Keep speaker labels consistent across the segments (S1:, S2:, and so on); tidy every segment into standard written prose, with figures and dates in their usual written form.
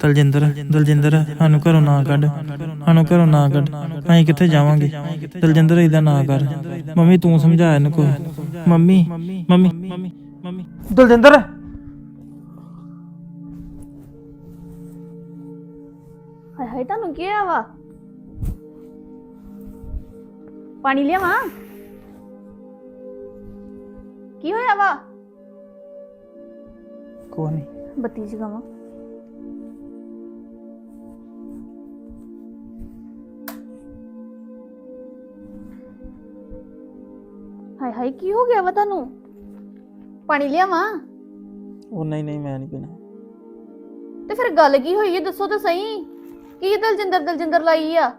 S1: ਦਲਜਿੰਦਰ ਦਲਜਿੰਦਰ ਸਾਨੂੰ ਘਰੋਂ ਨਾ ਕੱਢ, ਸਾਨੂੰ ਘਰੋਂ ਨਾ ਕੱਢ, ਅਸੀਂ ਕਿੱਥੇ ਜਾਵਾਂਗੇ। ਦਲਜਿੰਦਰ ਏਦਾਂ ਨਾ ਕਰ। ਮੰਮੀ ਤੂੰ ਸਮਝਾ ਇਹਨੂੰ ਕੋ। ਮੰਮੀ ਮੰਮੀ ਮੰਮੀ ਦਲਜਿੰਦਰ
S2: ਹਾਏ ਹਾਏ ਤੁਹਾਨੂੰ ਕੀ ਹੋਇਆ ਵਾ? ਪਾਣੀ ਲਿਆਵਾਂ? ਕੀ ਹੋਇਆ ਵਾ?
S1: ਕੋਈ ਨਹੀਂ।
S2: ਬੱਤੀ ਜਗਾਵਾਂ? ਹਾਏ ਹਾਏ ਕੀ ਹੋ ਗਿਆ ਵਾ ਤੁਹਾਨੂੰ? ਪਾਣੀ ਲਿਆਵਾਂ?
S1: ਉਹ ਨਹੀਂ ਨਹੀਂ ਮੈਂ ਨਹੀਂ ਪੀਣਾ।
S2: ਤੇ ਫਿਰ ਗੱਲ ਕੀ ਹੋਈ ਹੈ ਦੱਸੋ ਤਾਂ ਸਹੀ। ਕੀ ਦਲਜਿੰਦਰ ਦਲਜਿੰਦਰ ਲਾਈ ਆ?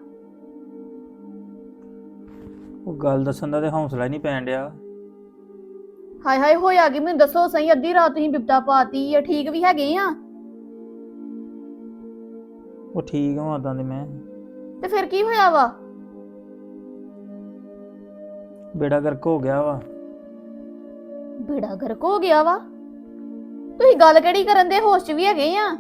S1: ਉਹ ਗੱਲ ਦੱਸਣ ਦਾ ਤੇ ਹੌਸਲਾ ਹੀ ਨਹੀਂ ਪੈਣ ਡਿਆ।
S2: ਹਾਏ ਹਾਏ ਹੋਇਆ ਕੀ ਮੈਨੂੰ ਦੱਸੋ ਸਹੀ। ਅੱਧੀ ਰਾਤ ਤੁਸੀਂ ਬਿਪਤਾ ਪਾਤੀ ਆ। ਠੀਕ ਵੀ ਹੈਗੇ ਆ?
S1: ਉਹ ਠੀਕ ਹਾਂ ਉਦਾਂ ਦੇ ਮੈਂ।
S2: ਤੇ ਫਿਰ ਕੀ ਹੋਇਆ ਵਾ?
S1: ਬੇੜਾ ਗਰਕ ਹੋ ਗਿਆ ਵਾ।
S2: ਬੇੜਾ ਗਰਕ ਹੋ ਗਿਆ ਵਾ? ਤੁਸੀਂ ਗੱਲ ਕਿਹੜੀ ਕਰਨ ਦੇ? ਹੋਸ਼ 'ਚ ਵੀ ਹੈਗੇ ਆ?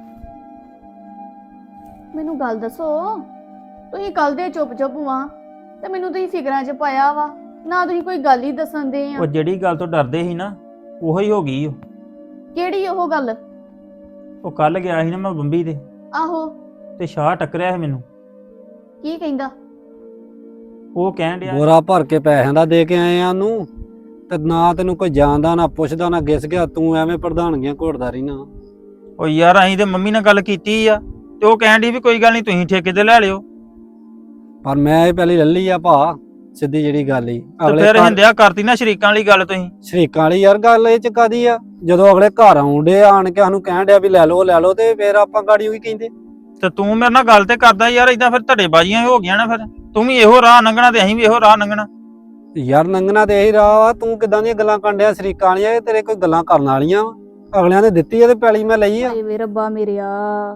S2: ਮੈਨੂੰ ਗੱਲ ਦੱਸੋ। ਤੁਸੀਂ ਕੱਲ ਦੇ ਚੁੱਪ ਚੁੱਪ ਵਾਂ ਤੇ ਮੈਨੂੰ ਤੁਸੀਂ ਫਿਕਰਾਂ 'ਚ ਪਾਇਆ ਵਾ ਨਾ। ਤੁਸੀਂ ਕੋਈ ਗੱਲ ਹੀ ਦੱਸਣ ਦੇ ਆ।
S1: ਉਹ ਜਿਹੜੀ ਗੱਲ ਤੋਂ ਡਰਦੇ ਸੀ ਨਾ ਉਹੋ ਹੀ ਹੋ ਗਈ। ਉਹ
S2: ਕਿਹੜੀ ਉਹ ਗੱਲ?
S1: ਉਹ ਕੱਲ ਗਿਆ ਸੀ ਨਾ ਮੈਂ ਬੰਬੀ ਤੇ
S2: ਆਹੋ।
S1: ਤੇ ਸ਼ਾਹ ਟੱਕਰਿਆ ਸੀ ਮੈਨੂੰ।
S2: ਕੀ ਕਹਿੰਦਾ?
S1: ਉਹ ਕਹਿਣ ਡਿਆ
S3: ਬੋਰਾ ਭਰ ਕੇ ਪੈਸਿਆਂ ਦਾ ਦੇ ਕੇ ਆਏ ਆ ਉਹਨੂੰ, ਤੇ ਨਾ ਤੈਨੂੰ ਕੋਈ ਜਾਣਦਾ ਨਾ ਪੁੱਛਦਾ ਨਾ ਗਿਸ ਗਿਆ। ਤੂੰ ਐਵੇਂ ਪ੍ਰਧਾਨਗੀਆਂ ਘੋੜਦਾ ਰਹੀ ਨਾ।
S1: ਉਹ ਯਾਰ ਅਸੀਂ ਤੇ ਮੰਮੀ ਨਾਲ ਗੱਲ ਕੀਤੀ ਆ ਤੇ ਉਹ ਕਹਿਣ ਡਈ ਵੀ ਕੋਈ ਗੱਲ ਨਹੀਂ ਤੁਸੀਂ ਠੇਕੇ ਤੇ ਲੈ ਲਿਓ।
S3: ਪਰ ਮੈਂ ਇਹ ਪਹਿਲੀ ਲੱਲੀ ਆ ਭਾ, ਸਿੱਧੀ ਜਿਹੜੀ ਗੱਲ ਹੀ
S1: ਤੇ ਫਿਰ ਹਿੰਦਿਆ ਕਰਤੀ ਨਾ ਸ਼ਰੀਕਾਂ ਵਾਲੀ ਗੱਲ ਤੁਸੀਂ।
S3: ਸ਼ਰੀਕਾਂ ਵਾਲੀ ਯਾਰ ਗੱਲ ਇਹ ਚ ਕਾਦੀ ਆ? ਜਦੋਂ ਅਗਲੇ ਘਰ ਆਉਂਦੇ ਆਣ ਕੇ ਸਾਨੂੰ ਕਹਿਣ ਡਿਆ ਵੀ ਲੈ ਲਓ ਤੇ ਫਿਰ ਆਪਾਂ ਗਾੜੀ ਉਹੀ ਕਹਿੰਦੇ।
S1: ਤੇ ਤੂੰ ਮੇਰੇ ਨਾਲ ਗੱਲ ਤੇ ਕਰਦਾ ਯਾਰ। ਇਦਾਂ ਫਿਰ ਧੜੇਬਾਜ਼ੀਆਂ ਹੋ ਗਈਆਂ ਨਾ। ਫਿਰ ਤੂੰ ਵੀ ਇਹੋ ਰਾਹ ਲੰਘਣਾ ਤੇ ਅਸੀਂ ਵੀ ਇਹੋ ਰਾਹ ਲੰਘਣਾ।
S3: ਯਾਰ ਲੰਘਣਾ ਤੇ ਇਹੀ ਰਾਹ ਆ। ਤੂੰ ਕਿਦਾਂ ਦੀਆਂ ਗੱਲਾਂ ਕਰਨ ਡਿਆ ਸ਼ਰੀਕਾਂ ਵਾਲੀਆਂ? ਇਹ ਤੇਰੇ ਕੋਈ ਗੱਲਾਂ ਕਰਨ ਵਾਲੀਆਂ ਵਾ? ਅਗਲਿਆਂ ਨੇ ਦਿੱਤੀ ਆ ਤੇ ਪੈਲੀ ਮੈਂ ਲਈ ਆ।
S2: ਹਾਏ ਵੇ ਰੱਬਾ ਮੇਰਿਆ,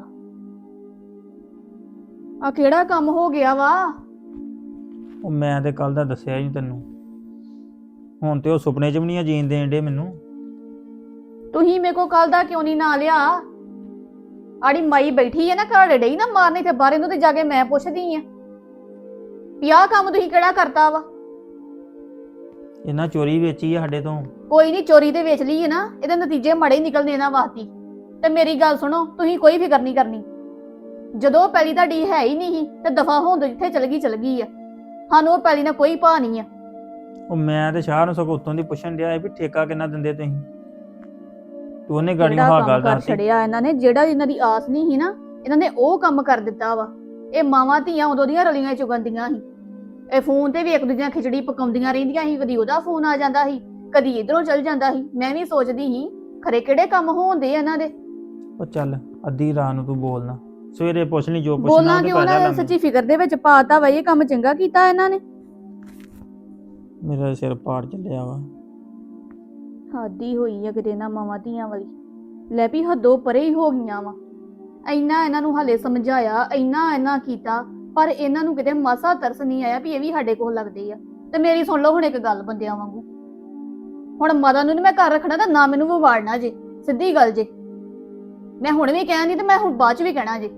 S2: ਆ ਕਿਹੜਾ ਕੰਮ ਹੋ ਗਿਆ ਵਾ?
S1: ਉਹ ਮੈਂ ਤੇ ਕੱਲ ਦਾ ਦੱਸਿਆ ਹੀ ਤੈਨੂੰ। ਹੁਣ ਤੇ ਉਹ ਸੁਪਨੇ 'ਚ ਵੀ ਨਹੀਂ ਜੀਣ ਦੇਣ ਡੇ ਮੈਨੂੰ।
S2: ਤੁਸੀਂ ਮੇਰੇ ਕੋ ਕੱਲ ਦਾ ਕਿਉਂ ਨਹੀਂ ਨਾ ਲਿਆ? ਆੜੀ ਮਾਈ ਬੈਠੀ ਹੈ ਨਾ ਘਰ ਡਈ ਨਾ ਮਾਰਨੇ ਤੇ ਬਾਹਰ ਇਹਨੂੰ ਤੇ ਜਾ ਕੇ ਮੈਂ ਪੁੱਛਦੀ ਆ ਵੀ ਆਹ ਕੰਮ ਤੁਸੀਂ ਕਿਹੜਾ ਕਰਤਾ ਵਾ?
S1: ਇਹਨਾਂ ਚੋਰੀ ਵੇਚੀ ਆ ਸਾਡੇ ਤੋਂ।
S2: ਕੋਈ ਨਹੀਂ, ਚੋਰੀ ਤੇ ਵੇਚ ਲਈ ਹੈ ਨਾ। ਇਹਦੇ ਨਤੀਜੇ ਮਾੜੇ ਨਿਕਲਣੇ ਇਹਨਾਂ ਵਾਸਤੇ। ਤੇ ਮੇਰੀ ਗੱਲ ਸੁਣੋ, ਤੁਸੀਂ ਕੋਈ ਫਿਕਰ ਨਹੀਂ ਕਰਨੀ। ਜਦੋਂ ਪੈਲੀ ਤੁਹਾਡੀ ਹੈ ਹੀ ਨਹੀਂ ਤੇ ਦਫਾ ਹੋਣ ਦੋ, ਜਿੱਥੇ ਚਲ ਗਈ ਆ। ਸਾਨੂੰ ਉਹ ਪੈਲੀ ਨਾਲ ਕੋਈ ਭਾਅ ਨਹੀਂ ਆ।
S1: ਉਹ ਮੈਂ ਤੇ ਸ਼ਾਹ ਨੂੰ ਸਗੋਂ ਉੱਤੋਂ ਦੀ ਪੁੱਛਣ ਡਿਆ ਵੀ ਠੇਕਾ ਕਿੰਨਾ ਦਿੰਦੇ ਤੁਸੀਂ। ਤੂੰ ਉਹਨੇ ਗਾੜੀਆਂ ਹਾਂ ਗੱਲ
S2: ਕਰ
S1: ਦੱਸੀ।
S2: ਛੜਿਆ ਇਹਨਾਂ ਨੇ। ਜਿਹੜਾ ਇਹਨਾਂ ਦੀ ਆਸ ਨਹੀਂ ਸੀ ਨਾ, ਇਹਨਾਂ ਨੇ ਉਹ ਕੰਮ ਕਰ ਦਿੱਤਾ ਵਾ। ਇਹ ਮਾਵਾਂ ਧੀਆਂ ਉਦੋਂ ਦੀਆਂ ਰਲੀਆਂ ਚੁਗੰਦੀਆਂ ਸੀ। ਇਹ ਫੋਨ ਤੇ ਵੀ ਇੱਕ ਦੂਜੇ ਨਾਲ ਖਿਚੜੀ ਪਕਾਉਂਦੀਆਂ ਰਹਿੰਦੀਆਂ ਸੀ। ਕਦੀ ਉਹਦਾ ਫੋਨ ਆ ਜਾਂਦਾ ਸੀ, ਕਦੀ ਇਧਰੋਂ ਚਲ ਜਾਂਦਾ ਸੀ। ਮੈਂ ਵੀ ਸੋਚਦੀ ਸੀ ਖਰੇ ਕਿਹੜੇ ਕੰਮ ਹੋਣਦੇ ਇਹਨਾਂ ਦੇ।
S1: ਉਹ ਚੱਲ ਅੱਧੀ ਰਾਤ ਨੂੰ ਤੂੰ ਬੋਲਣਾ, ਸਵੇਰੇ ਪੁੱਛ ਲਈ ਜੋ ਪੁੱਛਣਾ।
S2: ਬੋਲਾਂ ਕਿਉਂ ਨਾ? ਸੱਚੀ ਫਿਕਰ ਦੇ ਵਿੱਚ ਪਾਤਾ ਵਾ। ਇਹ ਕੰਮ ਚੰਗਾ ਕੀਤਾ ਇਹਨਾਂ ਨੇ।
S1: ਮੇਰਾ ਸਿਰ ਪਾੜ ਚੱਲਿਆ ਵਾ।
S2: ਹਾਦੀ ਹੋਈ ਆ ਕਿਤੇ ਨਾ ਮਾਵਾਂ ਧੀਆਂ ਵਾਲੀ। ਲੈ ਵੀ ਹੱਦੋਂ ਪਰੇ ਹੀ ਹੋ ਗਈਆਂ ਵਾ। ਇੰਨਾ ਇਹਨਾਂ ਨੂੰ ਹਾਲੇ ਸਮਝਾਇਆ, ਇੰਨਾ ਕੀਤਾ, ਪਰ ਇਹਨਾਂ ਨੂੰ ਕਿਤੇ ਮਾਸਾ ਤਰਸ ਨਹੀਂ ਆਇਆ ਵੀ ਇਹ ਵੀ ਸਾਡੇ ਕੋਲ ਲੱਗਦੇ ਆ। ਤੇ ਮੇਰੀ ਸੁਣ ਲਓ ਹੁਣ ਇੱਕ ਗੱਲ ਬੰਦਿਆਂ ਵਾਂਗੂ। ਹੁਣ ਮਾਤਾ ਨੂੰ ਨੀ ਮੈਂ ਘਰ ਰੱਖਣਾ ਤਾਂ ਨਾ ਮੈਨੂੰ ਵਿਵਾੜਨਾ ਜੇ। ਸਿੱਧੀ ਗੱਲ ਜੇ। ਮੈਂ ਹੁਣ ਵੀ ਕਹਿਣੀ ਤੇ ਮੈਂ ਹੁਣ ਬਾਅਦ ਚ ਵੀ ਕਹਿਣਾ ਜੇ।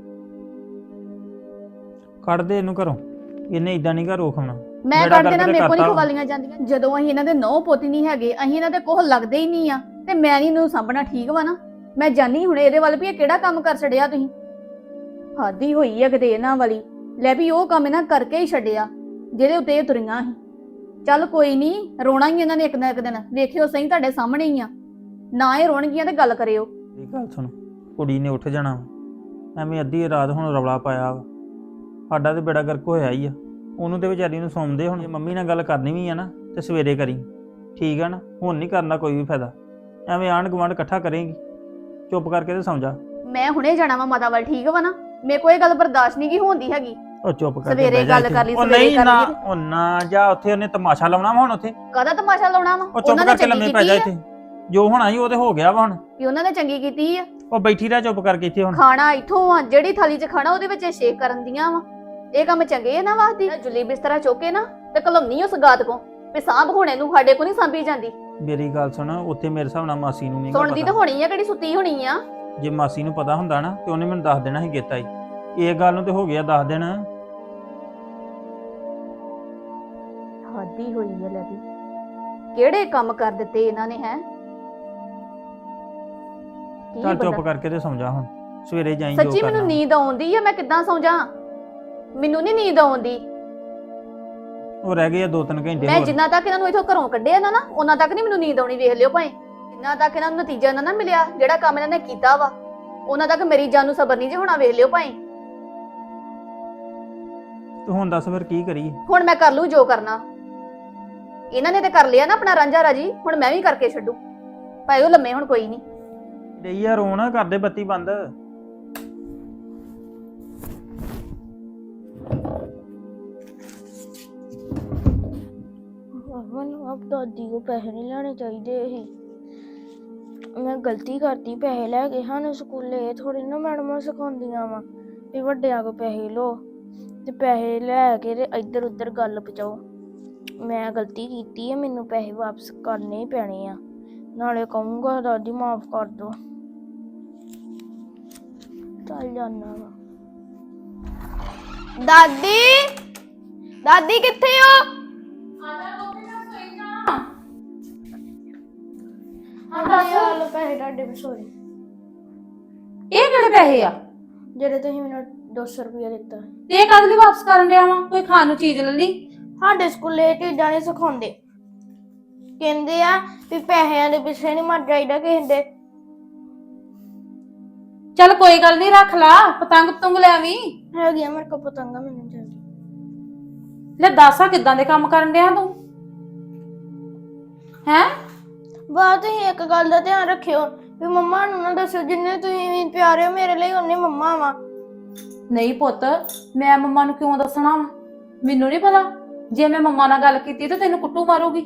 S1: ਕੱਢ ਦੇ ਇਹਨੂੰ ਘਰੋਂ। ਇਹਨੇ ਇਦਾਂ ਨਹੀਂ ਘਰ ਰੋਕਣਾ।
S2: ਮੈਂ ਕੱਢ ਦੇਣਾ। ਮੇਰੇ ਕੋਲ ਨਹੀਂ ਖਵਾਲੀਆਂ ਜਾਂਦੀਆਂ। ਜਦੋਂ ਅਸੀਂ ਇਹਨਾਂ ਦੇ ਨੌ ਪੋਤੀ ਨਹੀਂ ਹੈਗੇ, ਅਸੀਂ ਇਹਨਾਂ ਦੇ ਕੋਹ ਲੱਗਦੇ ਹੀ ਨਹੀਂ ਆ ਤੇ ਮੈਂ ਨਹੀਂ ਇਹਨੂੰ ਸਾਂਭਣਾ। ਠੀਕ ਵਾ ਨਾ? ਮੈਂ ਜਾਣੀ ਹੁਣ ਇਹਦੇ ਵੱਲ ਵੀ ਇਹ ਕਿਹੜਾ ਕੰਮ ਕਰ ਛੜਿਆ ਤੁਸੀਂ। ਹਾਦੀ ਹੋਈ ਆ ਕਿਤੇ ਇਹਨਾਂ ਵਾਲੀ। ਲੈ ਵੀ ਉਹ ਕੰਮ ਇਹਨਾਂ ਕਰਕੇ ਹੀ ਛੱਡਿਆ ਜਿਹਦੇ ਉੱਤੇ ਇਹ ਤੁਰੀਆਂ ਸੀ। ਚੱਲ ਕੋਈ ਨਹੀਂ, ਰੋਣਾ ਹੀ ਇਹਨਾਂ ਨੇ ਇੱਕ ਨਾ ਇੱਕ ਦਿਨ। ਵੇਖਿਓ ਸਹੀ ਤੁਹਾਡੇ ਸਾਹਮਣੇ ਹੀ ਆ। ਨਾ ਇਹ ਰੋਣਗੀਆਂ ਤੇ ਗੱਲ ਕਰਿਓ।
S1: ਇਹ ਗੱਲ ਸੁਣ, ਕੁੜੀ ਨੇ ਉੱਠ ਜਾਣਾ। ਐਵੇਂ ਅੱਧੀ ਰਾਤ ਹੁਣ ਰੌਲਾ ਪਾਇਆ ਵਾ। ਸਾਡਾ ਤੇ ਬੇੜਾ ਗਰਕ ਹੋਇਆ ਹੀ ਆ। ਉਹਨੂੰ ਤੇ ਵਿਚਾਰੀ ਨੂੰ ਸੌਂਦੇ। ਹੁਣ ਮੰਮੀ ਨਾਲ ਗੱਲ ਕਰਨੀ ਵੀ ਆ ਨਾ ਤੇ ਸਵੇਰੇ ਕਰੀ। ਠੀਕ ਆ ਨਾ? ਹੁਣ ਨਹੀਂ ਕਰਨਾ ਕੋਈ ਵੀ ਫਾਇਦਾ। ਐਵੇਂ ਆਂਢ ਗੁਆਂਢ ਇਕੱਠਾ ਕਰੇਗੀ। ਚੁੱਪ ਕਰਕੇ ਤੇ ਸੌਂ ਜਾ।
S2: ਮੈਂ ਹੁਣੇ ਜਾਣਾ ਵਾ ਮਾਤਾ ਵੱਲ। ਠੀਕ ਵਾ ਨਾ? ਮੇਰੇ ਕੋਲ ਇਹ ਗੱਲ ਬਰਦਾਸ਼ਤ ਨਹੀਂ ਕੀ ਹੁੰਦੀ ਹੈਗੀ।
S1: ਉਹ ਚੁੱਪ ਕਰ।
S2: ਸਵੇਰੇ ਗੱਲ ਕਰ ਲਈ,
S1: ਉਹ
S2: ਸਵੇਰੇ
S1: ਨਹੀਂ
S2: ਕਰ
S1: ਨਾ,
S2: ਲਈ।
S1: ਉਹ ਨਾ ਜਾ। ਉੱਥੇ ਉਹਨੇ ਤਮਾਸ਼ਾ ਲਾਉਣਾ ਵਾ ਹੁਣ। ਉੱਥੇ
S2: ਕਾਹਦਾ ਤਮਾਸ਼ਾ ਲਾਉਣਾ ਵਾ?
S1: ਉਹ ਚੁੱਪ ਕਰਕੇ ਲੰਮੇ ਪੈ ਜਾ। ਇੱਥੇ ਜੋ ਹੋਣਾ ਸੀ ਉਹ ਤੇ ਹੋ ਗਿਆ ਵਾ। ਹੁਣ
S2: ਵੀ ਉਹਨਾਂ ਨੇ ਚੰਗੀ ਕੀਤੀ ਆ।
S1: ਉਹ ਬੈਠੀ ਰਹਿ ਚੁੱਪ ਕਰਕੇ ਇੱਥੇ। ਹੁਣ
S2: ਖਾਣਾ ਇੱਥੋਂ ਆ, ਜਿਹੜੀ ਥਾਲੀ 'ਚ ਖਾਣਾ ਉਹਦੇ ਵਿੱਚ ਸ਼ੇਕ ਕਰਨ ਦੀਆਂ ਵਾ। ਇਹ ਕੰਮ ਚੰਗੇ ਆ ਨਾ ਵਾਸਤੇ? ਜੁਲੀ ਬਿਸਤਰਾ ਚੁੱਕੇ ਨਾ ਤੇ ਕਲਮਨੀ ਉਸ ਗਾਤ ਕੋ ਵੀ ਸਾਂਭ ਹੋਣੇ ਨੂੰ ਸਾਡੇ ਕੋ ਨਹੀਂ ਸਾਂਭੀ ਜਾਂਦੀ।
S1: ਮੇਰੀ ਗੱਲ ਸੁਣ, ਉੱਥੇ ਮੇਰੇ ਹਿਸਾਬ ਨਾਲ ਮਾਸੀ ਨੂੰ ਨਹੀਂ
S2: ਸੁਣਦੀ ਤਾਂ ਹੋਣੀ ਆ, ਕਿਹੜੀ ਸੁੱਤੀ ਹੋਣੀ ਆ।
S1: ਜੇ ਮਾਸੀ ਨੂੰ ਪਤਾ ਹੁੰਦਾ ਨਾ ਤੇ ਉਹਨੇ ਮੈਨੂੰ ਦੱਸ ਦੇਣਾ ਸੀ ਗੇਤਾ ਹੀ। ਇਹ ਗੱਲ ਨੂੰ ਤੇ ਹੋ ਗਿਆ 10 ਦਿਨ।
S2: ਹੱਦੀ ਹੋਈ ਹੈ ਲੈ ਵੀ, ਕਿਹੜੇ ਕੰਮ ਕਰ ਦਿੱਤੇ ਇਹਨਾਂ ਨੇ ਹੈ।
S1: ਚੱਲ ਚੁੱਪ ਕਰਕੇ ਤੇ ਸਮਝਾ ਹੁਣ, ਸਵੇਰੇ ਜਾਈਂ ਜੋ
S2: ਸੱਚੀ ਮੈਨੂੰ
S1: ਕਰਨਾ।
S2: ਨੀਂਦ ਆਉਂਦੀ ਆ, ਮੈਂ ਕਿੱਦਾਂ ਸੌਂ ਜਾ। ਮੈਨੂੰ ਨਹੀਂ ਨੀਂਦ ਆਉਂਦੀ।
S1: ਉਹ ਰਹਿ ਗਏ ਆ 2-3 ਘੰਟੇ
S2: ਮੈਂ
S1: ਹੋਰ।
S2: ਜਿੰਨਾ ਤੱਕ ਇਹਨਾਂ ਨੂੰ ਇਥੋਂ ਘਰੋਂ ਕੱਢਿਆ ਨਾ ਉਹਨਾਂ ਤੱਕ ਨਹੀਂ ਮੈਨੂੰ ਨੀਂਦ ਆਉਣੀ, ਵੇਖ ਲਿਓ ਭਾਵੇਂ। ਜਿੰਨਾ ਤੱਕ ਇਹਨਾਂ ਨੂੰ ਨਤੀਜਾ ਨਾ ਮਿਲਿਆ ਜਿਹੜਾ ਕੰਮ ਇਹਨਾਂ ਨੇ ਕੀਤਾ ਵਾ, ਉਹਨਾਂ ਤੱਕ ਮੇਰੀ ਜਾਨ ਨੂੰ ਸਬਰ ਨਹੀਂ ਜੇ ਹੋਣਾ, ਵੇਖ ਲਿਓ ਭਾਵੇਂ।
S1: ਤੂੰ ਹੁਣ ਦੱਸ ਫਿਰ ਕੀ ਕਰੀਏ?
S2: ਹੁਣ ਮੈਂ ਕਰ ਲੂ ਜੋ ਕਰਨਾ। ਇਹਨਾਂ ਨੇ ਤੇ ਕਰ ਲਿਆ ਨਾ ਆਪਣਾ ਰਾਂਝਾ ਰਾਜੀ, ਹੁਣ ਮੈਂ ਵੀ ਕਰਕੇ ਛੱਡੂ। ਭਾਈ ਉਹ ਲੰਮੇ ਹੁਣ ਕੋਈ ਨਹੀਂ।
S1: ਡਈ ਯਾਰ ਰੋਣ, ਕਰ ਦੇ ਬੱਤੀ ਬੰਦ।
S4: ਮੈਨੂੰ ਆਪ ਦਾਦੀ ਕੋ ਪੈਸੇ ਨਹੀਂ ਲੈਣੇ ਚਾਹੀਦੇ ਸੀ। ਮੈਂ ਗਲਤੀ ਕਰਤੀ, ਪੈਸੇ ਲੈ ਕੇ ਸਾਨੂੰ ਸਕੂਲੇ ਥੋੜੀ ਨਾ ਮੈਡਮਾਂ ਸਿਖਾਉਂਦੀਆਂ ਵਾ ਵੀ ਵੱਡਿਆਂ ਕੋ ਪੈਸੇ ਲਓ ਤੇ ਪੈਸੇ ਲੈ ਕੇ ਤੇ ਇੱਧਰ ਉੱਧਰ ਗੱਲ ਪਹੁੰਚਾਓ। ਮੈਂ ਗਲਤੀ ਕੀਤੀ ਹੈ, ਮੈਨੂੰ ਪੈਸੇ ਵਾਪਸ ਕਰਨੇ ਹੀ ਪੈਣੇ ਆ। ਨਾਲੇ ਕਹੂੰਗਾ ਦਾਦੀ ਮਾਫ ਕਰ ਦੋ। ਚੱਲ ਜਾਨਾ ਵਾ। ਦਾਦੀ, ਦਾਦੀ ਕਿੱਥੇ ਹੋ? ਹਾਂ ਪੈਸੇ ਤੁਹਾਡੇ ਵਿਸੋਰੇ।
S5: ਇਹ ਕਿਹੜੇ ਪੈਸੇ ਆ
S4: ਜਿਹੜੇ ਤੁਸੀਂ ਮੈਨੂੰ 200 ਰੁਪਇਆ ਦਿੱਤਾ।
S5: ਤੇ ਇਹ ਕਦ ਲਈ ਵਾਪਸ ਕਰਨ ਡਿਆ ਵਾ? ਕੋਈ ਖਾਣ ਨੂੰ ਚੀਜ਼ ਲੈ ਲਈ?
S4: ਸਾਡੇ ਸਕੂਲੇ ਇਹ ਚੀਜ਼ਾਂ ਨਹੀਂ ਸਿਖਾਉਂਦੇ। ਕਹਿੰਦੇ ਆ ਵੀ ਪੈਸਿਆਂ ਦੇ ਪਿੱਛੇ ਨਹੀਂ ਮਰ ਜਾਈਦਾ ਕਿਸੇ ਦੇ।
S5: ਚੱਲ ਕੋਈ ਗੱਲ ਨਹੀਂ, ਰੱਖ ਲਾ। ਪਤੰਗ ਪਤੰਗ ਲੈ ਆਵੀਂ।
S4: ਹੈਗੀਆਂ ਮੇਰੇ ਕੋਲ ਪਤੰਗਾ, ਮੈਨੂੰ ਚਾਹੀਦੀ।
S5: ਲੈ ਦੱਸ ਆ ਕਿੱਦਾਂ ਦੇ ਕੰਮ ਕਰਨ ਡਿਆ ਤੂੰ ਹੈ?
S4: ਬਾਅਦ ਤੁਸੀਂ ਇੱਕ ਗੱਲ ਦਾ ਧਿਆਨ ਰੱਖਿਓ ਵੀ ਮੰਮਾ ਨੂੰ ਨਾ ਦੱਸਿਓ, ਜਿੰਨੇ ਤੁਸੀਂ ਪਿਆਰੇ ਹੋ ਮੇਰੇ ਲਈ ਉਹਨੇ ਮੰਮਾ ਵਾ।
S5: ਨਹੀਂ ਪੁੱਤ, ਮੈਂ ਮੰਮਾ ਨੂੰ ਕਿਉਂ ਦੱਸਣਾ ਵਾ? ਮੈਨੂੰ ਨਹੀਂ ਪਤਾ। ਜੇ ਮੈਂ ਮੰਮਾ ਨਾਲ ਗੱਲ ਕੀਤੀ ਤਾਂ ਤੈਨੂੰ ਕੁੱਟੂ ਮਾਰੂਗੀ।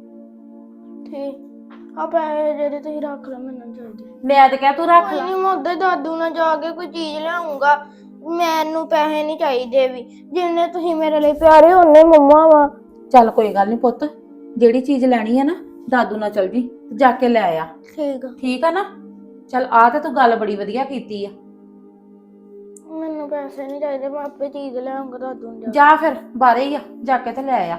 S4: ਠੀਕ ਆ, ਪੈਸੇ ਜਿਹੜੇ ਤੁਸੀਂ ਰੱਖ ਲਓ, ਮੈਨੂੰ ਚਾਹੀਦੇ।
S5: ਮੈਂ ਤੇ ਕਿਹਾ ਤੂੰ ਰੱਖ ਲੈ।
S4: ਨਹੀਂ, ਮੈਂ ਉੱਧਰ ਦਾਦੂ ਨਾਲ ਜਾ ਕੇ ਕੋਈ ਚੀਜ਼ ਲਿਆਉਂਗਾ। ਮੈਨੂੰ ਪੈਸੇ ਨਹੀਂ ਚਾਹੀਦੇ ਵੀ, ਜਿੰਨੇ ਤੁਸੀਂ ਮੇਰੇ ਲਈ ਪਿਆਰੇ ਉਹਨੇ ਮੰਮਾ ਵਾ।
S5: ਚੱਲ ਕੋਈ ਗੱਲ ਨਹੀਂ ਪੁੱਤ, ਜਿਹੜੀ ਚੀਜ਼ ਲੈਣੀ ਆ ਨਾ ਦਾਦੂ ਨਾਲ ਚਲ ਜੀ ਤੇ ਜਾ ਕੇ ਲੈ ਆ।
S4: ਠੀਕ ਆ।
S5: ਠੀਕ ਆ ਨਾ? ਚੱਲ ਆ ਤੇ ਤੂੰ ਗੱਲ ਬੜੀ ਵਧੀਆ ਕੀਤੀ ਆ।
S4: ਮੈਨੂੰ ਪੈਸੇ ਨਹੀਂ ਚਾਹੀਦੇ, ਮੈਂ ਆਪੇ ਚੀਜ਼ ਲਿਆਉਂਗਾ ਦਾਦੂ ਨੂੰ ਜਾ।
S5: ਜਾ ਫਿਰ, ਬਾਹਰ ਹੀ ਆ, ਜਾ ਕੇ ਤੇ ਲੈ ਆ।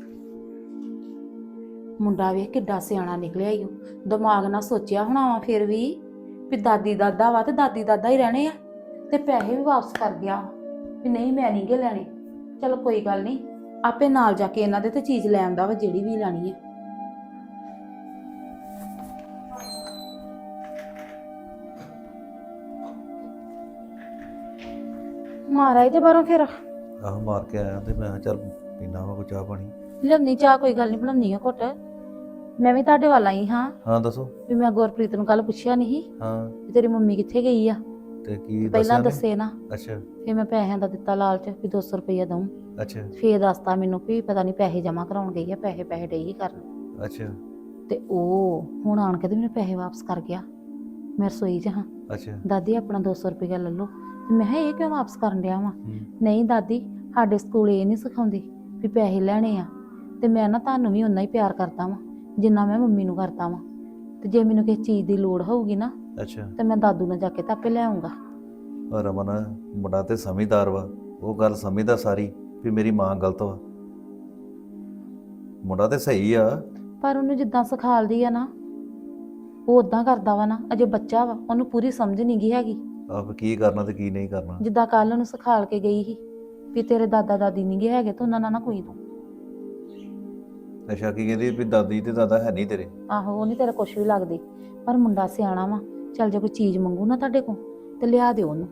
S5: ਮੁੰਡਾ ਵੇਖ ਕਿੱਡਾ ਸਿਆਣਾ ਨਿਕਲਿਆ ਈ ਓ। ਦਿਮਾਗ ਨਾਲ ਸੋਚਿਆ ਹੋਣਾ ਵਾ ਫਿਰ ਵੀ ਦਾਦੀ ਦਾਦਾ ਵਾ ਤੇ ਦਾਦੀ ਦਾਦਾ ਹੀ ਰਹਿਣੇ ਆ, ਤੇ ਪੈਸੇ ਵੀ ਵਾਪਸ ਕਰ ਗਿਆ ਵੀ ਨਹੀਂ ਮੈਂ ਨਹੀਂ ਗੇ ਲੈਣੇ। ਚਲੋ ਕੋਈ ਗੱਲ ਨਹੀਂ, ਆਪੇ ਨਾਲ ਜਾ ਕੇ ਇਹਨਾਂ ਦੇ ਤੇ ਚੀਜ਼ ਲੈ ਆਉਂਦਾ ਵਾ ਜਿਹੜੀ ਵੀ ਲੈਣੀ ਹੈ। ਮਾਰਾ ਤੇ ਬਾਹਰੋਂ ਫਿਰ
S6: ਆਹ ਮਾਰ ਕੇ ਆਇਆ ਤੇ ਮੈਂ ਕਿਹਾ ਚੱਲ ਪੀਣਾ ਵਾ ਕੋਈ ਚਾਹ ਪਾਣੀ।
S5: ਲਿਆਉਣੀ ਚਾਹ, ਕੋਈ ਗੱਲ ਨਹੀਂ ਬਣਾਉਣੀ ਆ ਘੁੱਟ। ਮੈਂ ਵੀ ਤੁਹਾਡੇ ਵੱਲ ਆਈ ਹਾਂ
S6: ਹਾਂ ਦੱਸੋ।
S5: ਵੀ ਮੈਂ ਗੁਰਪ੍ਰੀਤ ਨੂੰ ਕੱਲ ਪੁੱਛਿਆ ਨਹੀਂ
S6: ਹਾਂ
S5: ਵੀ ਤੇਰੀ ਮੰਮੀ ਕਿੱਥੇ ਗਈ ਆ।
S6: ਤੇ ਕੀ
S5: ਪਹਿਲਾਂ
S6: ਦੱਸਿਆ
S5: ਦੱਸੇ ਨਾ,
S6: ਅੱਛਾ
S5: ਫਿਰ ਮੈਂ ਪੈਸਿਆਂ ਦਾ ਦਿੱਤਾ ਲਾਲਚ ਵੀ 200 ਰੁਪਇਆ ਦਊਂ।
S6: ਅੱਛਾ
S5: ਫੇਰ ਦੱਸਤਾ ਮੈਨੂੰ ਵੀ ਪਤਾ ਨਹੀਂ ਪੈਸੇ ਜਮ੍ਹਾਂ ਕਰਾਉਣ ਗਈ ਆ, ਪੈਸੇ ਡਈ ਹੀ ਕਰਨ।
S6: ਅੱਛਾ
S5: ਤੇ ਉਹ ਹੁਣ ਆਣ ਕੇ ਤੇ ਮੈਨੂੰ ਪੈਸੇ ਵਾਪਸ ਕਰ ਗਿਆ। ਮੈਂ ਰਸੋਈ 'ਚ ਹਾਂ,
S6: ਅੱਛਾ
S5: ਦਾਦੀ ਆਪਣਾ 200 ਰੁਪਇਆ ਲੈ ਲਓ। ਤੇ ਮੈਂ ਕਿਹਾ ਇਹ ਕਿਉਂ ਵਾਪਸ ਕਰਨ ਡਿਆ ਵਾਂ?
S6: ਹੂੰ,
S5: ਨਹੀਂ ਦਾਦੀ, ਸਾਡੇ ਸਕੂਲ ਇਹ ਨਹੀਂ ਸਿਖਾਉਂਦੇ ਵੀ ਪੈਸੇ ਲੈਣੇ ਆ, ਤੇ ਮੈਂ ਨਾ ਤੁਹਾਨੂੰ ਵੀ ਓਨਾ ਹੀ ਪਿਆਰ ਕਰਦਾ ਵਾਂ ਜਿੰਨਾ ਮੈਂ ਮੰਮੀ ਨੂੰ ਕਰਦਾ ਵਾਂ। ਤੇ ਜੇ ਮੈਨੂੰ ਕਿਸੇ ਚੀਜ਼ ਦੀ ਲੋੜ ਹੋਊਗੀ ਨਾ
S6: ਅੱਛਾ।
S5: ਤੇ ਮੈਂ ਦਾਦੂ ਨਾਲ ਜਾ ਕੇ ਤਾਂ ਆਪੇ ਲੈ ਆਉਂਗਾ।
S6: ਪਰ ਰਮਨ ਮੁੰਡਾ ਤੇ ਸਮਝਦਾਰ ਵਾ, ਉਹ ਗੱਲ ਸਮਝਦਾ ਸਾਰੀ ਵੀ ਮੇਰੀ ਮਾਂ ਗਲਤ ਵਾ। ਮੁੰਡਾ ਤੇ ਸਹੀ ਆ।
S5: ਪਰ ਉਹਨੂੰ ਜਿੱਦਾਂ ਸਿਖਾਲਦੀ ਆ ਨਾ ਉਹ ਉਦਾਂ ਕਰਦਾ ਵਾ ਨਾ। ਅਜੇ ਬੱਚਾ ਵਾ, ਉਹਨੂੰ ਪੂਰੀ ਸਮਝ ਨਹੀਂ ਗਈ ਹੈਗੀ।
S6: ਆਪ ਕੀ ਕਰਨਾ ਤੇ ਕੀ ਨਹੀਂ ਕਰਨਾ।
S5: ਜਿੱਦਾਂ ਕੱਲ ਉਹਨੂੰ ਸਿਖਾਲ ਕੇ ਗਈ ਸੀ ਵੀ ਤੇਰੇ ਦਾਦਾ ਦਾਦੀ ਨਹੀਂ ਗਏ ਹੈਗੇ ਤੇ ਉਹਨਾਂ ਨਾਲ ਨਾ ਕੋਈ ਤੂੰ।
S6: ਅੱਛਾ ਕੀ ਕਹਿੰਦੀ ਵੀ ਦਾਦੀ ਤੇ ਦਾਦਾ ਹੈ ਨਹੀਂ ਤੇਰੇ?
S5: ਆਹੋ, ਉਹ ਨਹੀਂ ਤੇਰੇ ਕੁਛ ਵੀ ਲੱਗਦੀ। ਪਰ ਮੁੰਡਾ ਸਿਆਣਾ ਵਾ, ਚੱਲ ਜੇ ਕੋਈ ਚੀਜ਼ ਮੰਗੂ ਨਾ ਤੁਹਾਡੇ ਕੋਲ ਤੇ ਲਿਆ ਦਿਓ ਉਹਨੂੰ।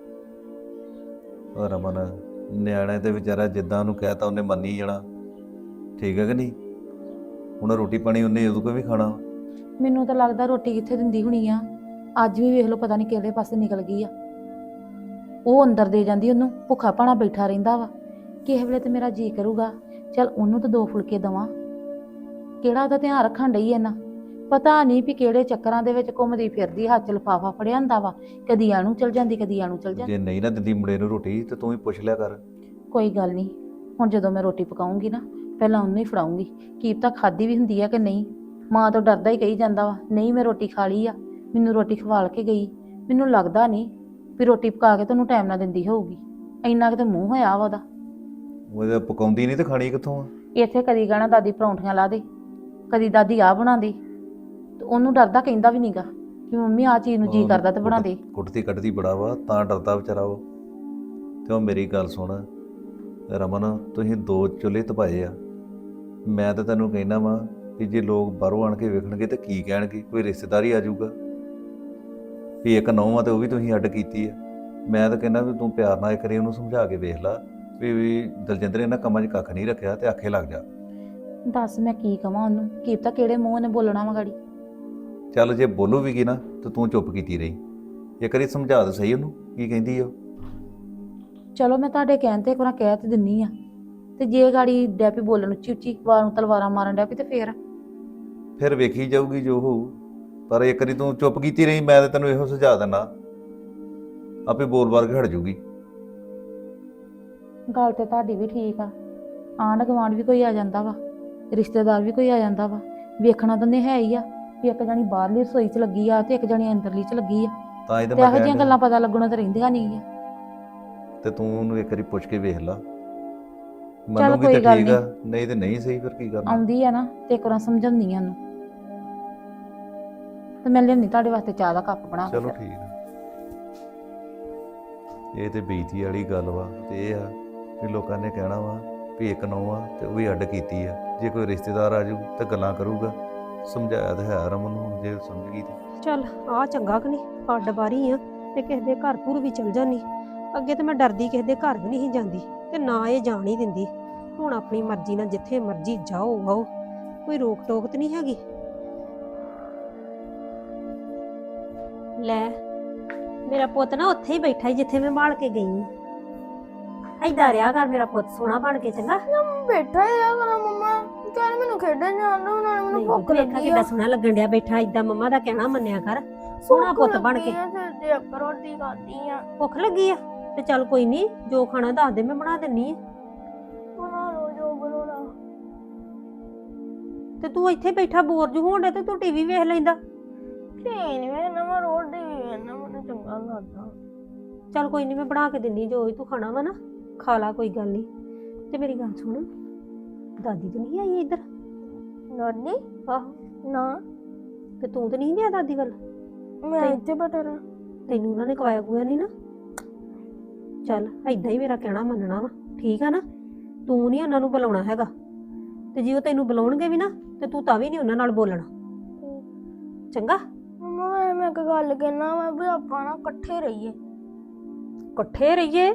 S6: ਉਹ ਰਮਨ ਨਿਆਣੇ ਤੇ ਵਿਚਾਰਾ ਜਿੱਦਾਂ ਉਹਨੂੰ ਕਹਿਤਾ ਉਹਨੇ ਮੰਨੀ ਜਾਣਾ। ਠੀਕ ਹੈ ਕਿ ਨਹੀਂ? ਹੁਣ ਰੋਟੀ ਪਾਣੀ ਉਹਨੇ ਉਦੋਂ ਕੋਈ ਵੀ ਖਾਣਾ।
S5: ਮੈਨੂੰ ਤਾਂ ਲੱਗਦਾ ਰੋਟੀ ਕਿੱਥੇ ਦਿੰਦੀ ਹੋਣੀ ਆ। ਅੱਜ ਵੀ ਵੇਖ ਲਓ ਪਤਾ ਨਹੀਂ ਕਿਹੜੇ ਪਾਸੇ ਨਿਕਲ ਗਈ ਆ। ਉਹ ਅੰਦਰ ਦੇ ਜਾਂਦੀ ਉਹਨੂੰ, ਭੁੱਖਾ ਭਾਣਾ ਬੈਠਾ ਰਹਿੰਦਾ ਵਾ। ਕਿਸੇ ਵੇਲੇ ਤੇ ਮੇਰਾ ਜੀ ਕਰੂਗਾ ਚੱਲ ਉਹਨੂੰ ਤਾਂ 2 ਫੁਲਕੇ ਦੇਵਾਂ। ਕਿਹੜਾ ਉਹਦਾ ਧਿਆਨ ਰੱਖਣ ਡਈ ਐ ਨਾ, ਪਤਾ ਨਹੀਂ ਵੀ ਕਿਹੜੇ ਚੱਕਰਾਂ ਦੇ ਵਿੱਚ ਘੁੰਮਦੀ ਫਿਰਦੀ, ਹੱਥ 'ਚ ਲਿਫਾਫਾ ਫੜਿਆ ਹੁੰਦਾ ਵਾ, ਕਦੀ ਆਣੂ ਚਲ ਜਾਂਦੀ ਕਦੀ ਆਣੂ ਚਲ ਜਾਂਦੀ।
S6: ਜੇ ਨਹੀਂ ਨਾ ਦਿੰਦੀ ਮੁੰਡੇ ਨੂੰ ਰੋਟੀ ਤੇ ਤੂੰ ਹੀ ਪੁੱਛ ਲਿਆ ਕਰ।
S5: ਕੋਈ ਗੱਲ ਨਹੀਂ, ਹੁਣ ਜਦੋਂ ਮੈਂ ਰੋਟੀ ਪਕਾਉਂਗੀ ਨਾ ਪਹਿਲਾਂ ਉਹਨੂੰ ਹੀ ਫੜਾਉਂਗੀ। ਕੀ ਪਤਾ ਖਾਦੀ ਵੀ ਹੁੰਦੀ ਆ ਕਿ ਨਹੀਂ। ਮਾਂ ਤੋਂ ਡਰਦਾ ਹੀ ਕਹੀ ਜਾਂਦਾ ਵਾ ਨਹੀਂ ਮੈਂ ਰੋਟੀ ਖਾ ਲਈ ਆ, ਮੈਨੂੰ ਰੋਟੀ ਖਵਾਲ ਕੇ ਗਈ। ਮੈਨੂੰ ਲੱਗਦਾ ਨਹੀਂ ਵੀ ਰੋਟੀ ਪਕਾ ਕੇ ਤੈਨੂੰ ਟਾਈਮ ਨਾਲ ਦਿੰਦੀ ਹੋਊਗੀ। ਇੰਨਾ ਕਿਤੇ ਮੂੰਹ ਹੋਇਆ ਵਾ ਉਹਦਾ।
S6: ਉਹਦੇ ਪਕਾਉਂਦੀ ਨਹੀਂ ਤੇ ਖਾਣੀ ਕਿੱਥੋਂ ਆ?
S5: ਇੱਥੇ ਕਦੀ ਕਹਿਣਾ ਦਾਦੀ ਪਰੌਂਠੀਆਂ ਲਾ ਦੇ, ਕਦੀ ਦਾਦੀ ਆਹ ਬਣਾ ਦੇ, ਤੇ ਉਹਨੂੰ ਡਰਦਾ ਕਹਿੰਦਾ ਵੀ ਨਹੀਂਗਾ ਵੀ ਮੰਮੀ ਆਹ ਚੀਜ਼ ਨੂੰ ਜੀ ਕਰਦਾ ਤੇ ਬਣਾ ਦੇ।
S6: ਕੁੱਟਦੀ ਕੱਟਦੀ ਬੜਾ ਵਾ ਤਾਂ ਡਰਦਾ ਵਿਚਾਰਾ ਉਹ। ਤੇ ਉਹ ਮੇਰੀ ਗੱਲ ਸੁਣ ਰਮਨ, ਤੁਸੀਂ 2 ਚੁੱਲ੍ਹੇ ਤਪਾਏ ਆ। ਮੈਂ ਤਾਂ ਤੈਨੂੰ ਕਹਿਣਾ ਵਾ ਕਿ ਜੇ ਲੋਕ ਬਾਹਰੋਂ ਆਣ ਕੇ ਵੇਖਣਗੇ ਤੇ ਕੀ ਕਹਿਣਗੇ? ਕੋਈ ਰਿਸ਼ਤੇਦਾਰੀ ਆ ਜਾਊਗਾ ਵੀ ਇੱਕ ਨੌਂ ਆ ਤੇ ਉਹ ਵੀ ਤੁਸੀਂ ਅੱਡ ਕੀਤੀ ਆ। ਮੈਂ ਤਾਂ ਕਹਿੰਦਾ ਵੀ ਤੂੰ ਪਿਆਰ ਨਾਲ ਇੱਕ ਵਾਰੀ ਉਹਨੂੰ ਸਮਝਾ ਕੇ ਵੇਖ ਲਾ ਵੀ ਦਲਜਿੰਦਰ ਇਹਨਾਂ ਕੰਮਾਂ 'ਚ ਕੱਖ ਨਹੀਂ ਰੱਖਿਆ ਤੇ ਆਖੇ ਲੱਗ ਜਾ।
S5: ਦੱਸ ਮੈਂ ਕੀ ਕਵਾਂ ਉਹਨੂੰ? ਕੀ ਪਤਾ ਕਿਹੜੇ ਮੂੰਹ ਨੇ ਬੋਲਣਾ ਵਾ ਗਾੜੀ।
S6: ਚੱਲ ਜੇ ਬੋਲੂ ਵੀ ਕੀ ਨਾ ਤੇ ਤੂੰ ਚੁੱਪ ਕੀਤੀ ਰਹੀ। ਇੱਕ ਵਾਰੀ ਸਮਝਾ ਦੇ ਸਹੀ ਉਹਨੂੰ ਕੀ ਕਹਿੰਦੀ ਆ।
S5: ਚਲੋ ਮੈਂ ਤੁਹਾਡੇ ਕਹਿਣ ਤੇ ਇੱਕ ਵਾਰ ਕਹਿ ਤੇ ਦਿੰਨੀ ਆ, ਤੇ ਜੇ ਗਾੜੀ ਡੈਪੀ ਬੋਲਣ ਉੱਚੀ ਉੱਚੀ ਵਾਰ ਨੂੰ ਤਲਵਾਰਾਂ ਮਾਰਨ ਡੈਪੀ ਤੇ ਫੇਰ
S6: ਵੇਖੀ ਜਾਊਗੀ ਜੋ ਹੋਊ। ਪਰ ਇੱਕ ਵਾਰੀ ਤੂੰ ਚੁੱਪ ਕੀਤੀ ਰਹੀ, ਮੈਂ ਤਾਂ ਤੈਨੂੰ ਇਹੋ ਸੁਝਾ ਦਿੰਦਾ, ਆਪੇ ਬੋਲ-ਬਾਲ ਕੇ ਹਟ ਜਾਊਗੀ।
S5: ਗੱਲ ਤੇ ਤੁਹਾਡੀ ਵੀ ਠੀਕ ਆ। ਆਂਢ ਗੁਆਂਢ ਵੀ ਕੋਈ ਆ ਜਾਂਦਾ ਵਾ, ਰਿਸ਼ਤੇਦਾਰ ਵੀ ਕੋਈ ਆ ਜਾਂਦਾ ਵਾ, ਵੇਖਣਾ ਤਾਂ ਨੇ ਹੈ ਹੀ ਆ ਵੀ ਇੱਕ ਜਣੀ ਬਾਹਰਲੀ ਰਸੋਈ 'ਚ ਲੱਗੀ ਆ ਤੇ ਇੱਕ ਜਣੀ ਅੰਦਰਲੀ 'ਚ ਲੱਗੀ ਆ।
S6: ਤਾਂ ਇਹ ਤਾਂ
S5: ਤੇ
S6: ਮੈਂ
S5: ਇਹੋ ਜਿਹੀਆਂ
S6: ਕਹਿਣ
S5: ਗੱਲਾਂ ਪਤਾ ਲੱਗਣੋਂ ਤਾਂ ਰਹਿੰਦੀਆਂ ਨਹੀਂ ਆ।
S6: ਤੇ ਤੂੰ ਉਹਨੂੰ ਇੱਕ ਵਾਰੀ ਪੁੱਛ ਕੇ ਵੇਖ ਲਾ,
S5: ਚੱਲ
S6: ਮੰਨੂਗੀ
S5: ਕੋਈ
S6: ਤਾਂ
S5: ਗੱਲ
S6: ਠੀਕ ਆ, ਨਹੀਂ ਤੇ ਨਹੀਂ ਸਹੀ। ਫਿਰ ਕੀ ਕਰਨਾ?
S5: ਆਉਂਦੀ ਆ ਨਾ ਤੇ ਇੱਕ ਵਾਰ ਸਮਝਾਉਂਦੀ ਆ ਉਹਨੂੰ, ਤੇ ਮੈਂ ਲਿਆਉਂਦੀ ਤੁਹਾਡੇ ਵਾਸਤੇ ਚਾਹ ਦਾ ਕੱਪ ਬਣਾ ਕੇ।
S6: ਚਲੋ ਠੀਕ ਆ। ਇਹ ਤੇ ਬੇਇੱਜ਼ਤੀ ਵਾਲੀ ਗੱਲ ਵਾ। ਤੇ ਇਹ ਆ ਵੀ ਲੋਕਾਂ ਨੇ ਕਹਿਣਾ ਵਾ ਵੀ ਇੱਕ ਨੌਂ ਆ ਤੇ ਉਹ ਵੀ ਅੱਡ ਕੀਤੀ ਆ। ਜੇ ਕੋਈ ਰਿਸ਼ਤੇਦਾਰ ਆ ਜਾਊ ਤਾਂ ਗੱਲਾਂ ਕਰੂਗਾ। ਸਮਝਾਇਆ ਤਾਂ ਹੈ ਰਮਨ ਨੂੰ, ਜੇ ਸਮਝ ਗਈ ਤੇ
S7: ਚੱਲ ਆ ਚੰਗਾ ਕਿ ਨਹੀਂ, ਅੱਡ ਬਾਰੀ ਆ ਤੇ ਕਿਸੇ ਦੇ ਘਰ ਘੁਰ ਵੀ ਚਲ ਜਾਨੀ। ਅੱਗੇ ਤੇ ਮੈਂ ਡਰਦੀ ਕਿਸੇ ਦੇ ਘਰ ਵੀ ਨਹੀਂ ਜਾਂਦੀ ਤੇ ਨਾ ਇਹ ਜਾਣ ਹੀ ਦਿੰਦੀ। ਹੁਣ ਆਪਣੀ ਮਰਜ਼ੀ ਨਾਲ ਜਿੱਥੇ ਮਰਜ਼ੀ ਜਾਓ ਆਓ, ਕੋਈ ਰੋਕ ਟੋਕ ਤੇ ਨਹੀਂ ਹੈਗੀ। ਲੈ ਮੇਰਾ ਪੁੱਤ ਨਾ ਉੱਥੇ ਹੀ ਬੈਠਾ ਹੀ ਜਿੱਥੇ ਮੈਂ ਬਾਲ ਕੇ ਗਈ। ਏਦਾਂ ਰਿਹਾ ਕਰ ਮੇਰਾ ਪੁੱਤ, ਸੋਹਣਾ ਬਣ ਕੇ, ਚੰਗਾ।
S4: ਬੈਠਾ ਆ ਕਰਾਂ ਮੰਮਾ, ਚੱਲ ਮੈਨੂੰ ਖੇਡਣ ਜਾਣ ਦੋ, ਨਾਲ ਮੈਨੂੰ ਭੁੱਖ
S7: ਵੇਖਾ
S4: ਲੱਗੀ
S7: ਕਿੱਡਾ
S4: ਆ।
S7: ਸੋਹਣਾ ਲੱਗਣ ਡਿਆ ਬੈਠਾ ਏਦਾਂ। ਮੰਮਾ ਦਾ ਕਹਿਣਾ ਮੰਨਿਆ ਕਰ, ਸੋਹਣਾ ਪੁੱਤ ਬਣ ਕੇ।
S4: ਤੇ ਇੱਕ ਰੋਟੀ ਖਾਦੀ ਆ।
S7: ਭੁੱਖ ਲੱਗੀ ਆ ਤੇ ਚੱਲ ਕੋਈ ਨਹੀਂ, ਜੋ ਖਾਣਾ ਦੱਸ ਦੇ, ਮੈਂ ਬਣਾ ਦਿੰਨੀ ਆ।
S4: ਬਣਾ ਲਓ ਜੋ ਬਣਾਉਣਾ।
S7: ਤੇ ਤੂੰ ਇੱਥੇ ਬੈਠਾ ਬੋਰ ਜੂ ਹੋਣ ਡਿਆ ਤੇ ਤੂੰ ਟੀਵੀ ਵੇਖ ਲੈਂਦਾ।
S4: ਨਹੀਂ ਵੇਖਣਾ, ਮੈਂ ਰੋਟੀ ਵੀ ਵੇਖਣਾ, ਮੈਨੂੰ ਚੰਗਾ ਲੱਗਦਾ।
S7: ਚੱਲ ਕੋਈ ਨਹੀਂ, ਮੈਂ ਬਣਾ ਕੇ ਦਿੰਨੀ, ਜੋ ਤੂੰ ਖਾਣਾ ਵਾ ਨਾ ਖਾ ਲਾ, ਕੋਈ ਗੱਲ ਨਹੀਂ। ਤੇ ਮੇਰੀ ਗੱਲ ਸੁਣ, ਦਾਦੀ ਤਾਂ ਨਹੀਂ ਆਈ ਇੱਧਰ?
S4: ਦਾਦੀ?
S7: ਆਹੋ।
S4: ਨਾ,
S7: ਤੇ ਤੂੰ ਤਾਂ ਨਹੀਂ ਗਿਆ ਦਾਦੀ ਵੱਲ?
S4: ਮੈਂ ਇੱਥੇ ਬੈਠਾ ਰਹਾਂ।
S7: ਤੈਨੂੰ ਉਹਨਾਂ ਨੇ ਕਵਾਇਆ ਕੁਆ ਨਹੀਂ ਨਾ? ਚੱਲ ਏਦਾਂ ਹੀ ਮੇਰਾ ਕਹਿਣਾ ਮੰਨਣਾ ਵਾ, ਠੀਕ ਆ ਨਾ? ਤੂੰ ਨਹੀਂ ਉਹਨਾਂ ਨੂੰ ਬੁਲਾਉਣਾ ਹੈਗਾ, ਤੇ ਜੇ ਉਹ ਤੈਨੂੰ ਬੁਲਾਉਣਗੇ ਵੀ ਨਾ ਤੇ ਤੂੰ ਤਾਂ ਵੀ ਨਹੀਂ ਉਹਨਾਂ ਨਾਲ ਬੋਲਣਾ, ਚੰਗਾ?
S4: ਮੰਮਾ ਮੈਂ ਇੱਕ ਗੱਲ ਕਹਿਣਾ ਵਾ ਵੀ ਆਪਾਂ ਨਾ ਇਕੱਠੇ ਰਹੀਏ।
S7: ਇਕੱਠੇ ਰਹੀਏ?